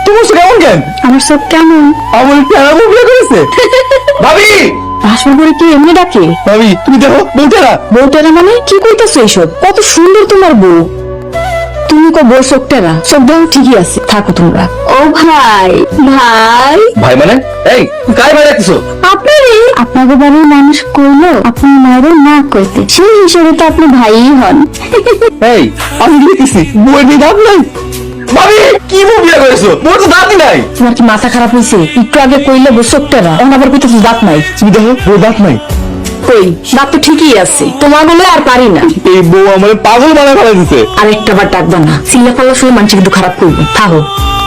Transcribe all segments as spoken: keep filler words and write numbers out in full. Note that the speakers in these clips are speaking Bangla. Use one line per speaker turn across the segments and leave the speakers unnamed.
তোমার চোখ এমন কেন?
আমার সব কেমন?
আমার টেরা বউ বিয়ে করেছে। ভাবি
ভাসুর করে কি এমনি ডাকে?
ভাবি তুমি দেখো বউ টেরা।
বউটারা মানে কি কইতাছো এইসব? কত সুন্দর তোমার বউ। তুমি কো বউ চোখটারা? চোখ দাও ঠিকই আছে, থাকো তোমরা। ও ভাই, ভাই
ভাই মানে এই তুই কাই ভাই রাখছো?
আপনারই আপনাদের বাড়ির মানুষ কইলো আপনার মায়েরও না কইতে, সেই হিসেবে তো আপনি ভাইই হন।
এই আমি দেখতেছি বউয়ের নিয়ে দাঁত নাই। ভাবি কি বউ বিয়ে করেছো? বউর তো দাঁতই নাই।
তোমার কি মাথা খারাপ হয়েছে? একটু আগে কইলে বউ চোখটারা, এখন আবার কইতেছো দাঁত নাই।
তুমি দেখো বউর দাঁত নাই।
কই দাঁত তো ঠিকই আছে, তোমার বলে আর পারি না।
এই বউ আমার পাগল বানায় ফেলা দিছে।
আরেকটা বার ডাকবা না, চিল্লা পাল্লা শুনে মানুষ কিন্তু খারাপ করবো। থাকো।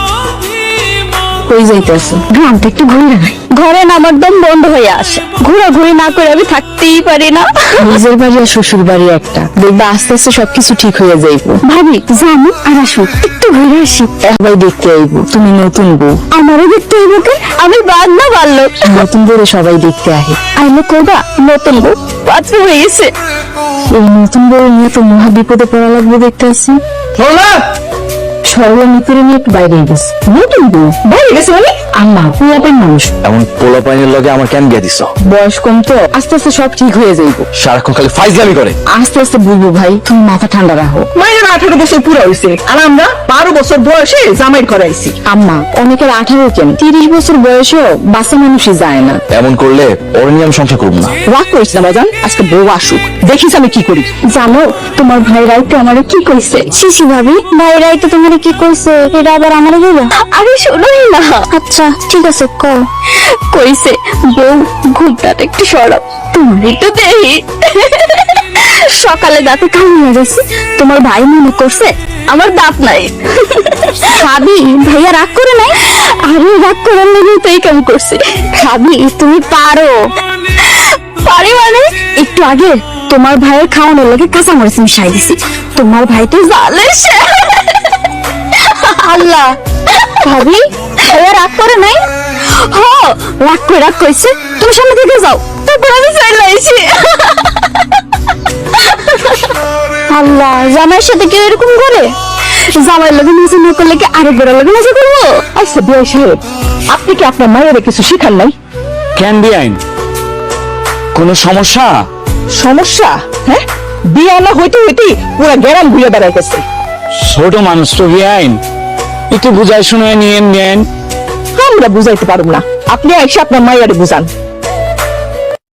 কই যাইতেছো? গ্রাম থেকে একটু ঘুরে নাই, ঘরে না আমার দম বন্ধ হয়ে আসে, ঘোরাঘুরি না করে আমি থাকতেই পারি না। নিজের বাড়ি আর শ্বশুর বাড়ি একটা, দেখবা আস্তে আস্তে সবকিছু ঠিক হয়ে যাইবো। ভাবি জানো আর আসো একটু ঘুরে আসি। সবাই দেখতে আইবো তুমি নতুন বউ, আমারও দেখতে আইবো। কে আমি বাদ না পারলো নতুন বউ সবাই দেখতে আহে। আইলে করবা নতুন বউ পাত্র হয়ে গেছে। এই নতুন বউ নিয়ে তো মহা বিপদে পড়া লাগবে দেখতে আসি।
শোনা
সরলা মিত্রে নিয়ে একটু বাইরে গেছে। নতুন বউ বাইরে গেছে মানে? আম্মা পুরাপেন মানুষ,
এমন পোলা পাইনের লগে আমার কেন বিয়ে দিছ?
বয়স কম তো, আস্তে আস্তে সব ঠিক হয়ে যাইব।
সারাক্ষণ খালি ফাইজলামি করে।
আস্তে আস্তে বুঝবো ভাই, তুমি মাথা ঠান্ডা রাখো।
মায়ের আঠারো বছর পুরো হয়েছে আর আমরা বারো বছর বয়সে জামাই করাইছি।
আম্মা অনেকের আঠারো কেন তিরিশ বছর বয়সেও বাচ্চা মানুষই যায় না।
এমন করলে ওর নিয়ে আমি সংসার করবো না।
রাগ করিস না বাজান, আজকে বউ আসুক, দেখিস আমি কি করি।
জানো তোমার ভাই রাইতে আমারে কি কইছে? শিশি ভাবি ভাই রাইতে তোমারে কি কইছে এটা আবার আমারে বলো। আরে শোনোই না। আচ্ছা ঠিক আছে কও। কইছে বউ ঘুমটা একটু সরাও, তোমার একটু দেই। সকালে দাঁতে কামিয়ে গেছে, তোমার ভাই মনে করছে আমার দাঁত নাই। ভাবি ভাইয়া রাগ করে নাই? আরে রাগ করার লেগে তো এই কাম করছে। ভাবি তুমি পারো। পারি মানে? একটু আগে তোমার ভাইয়ের খাওয়ানোর লাগে কাঁচামরিচ মিশাই দিছি, তোমার ভাই তো জালে সে। আল্লাহ ভাবি ভাইয়া রাগ করে নাই? হ রাগ করে রাগ কইছে, তুমি সামনে থেকে যাও, তারপর আমি চলে আইছি। আল্লাহ জামাইয়ের সাথে কেউ এরকম করে? জামাইয়ের লোকে মজা না করলে কি আরেক বেড়ার লোকে মজা করবো?
আচ্ছা বিয়ে সাহেব, আপনি কি আপনার মায়ের কিছু শিখান নাই?
কেন বিআইন কোন সমস্যা?
সমস্যা? হ্যাঁ, বিয়ে না হইতে হইতে পুরো গ্রাম ঘুরে বেড়াইতেছে।
ছোট মানুষ তো বিআইন, একটু বুঝাই শুনে নিয়ে নেন।
আমরা বুঝাইতে পারব না, আপনি এসে আপনার মায়ের বুঝান।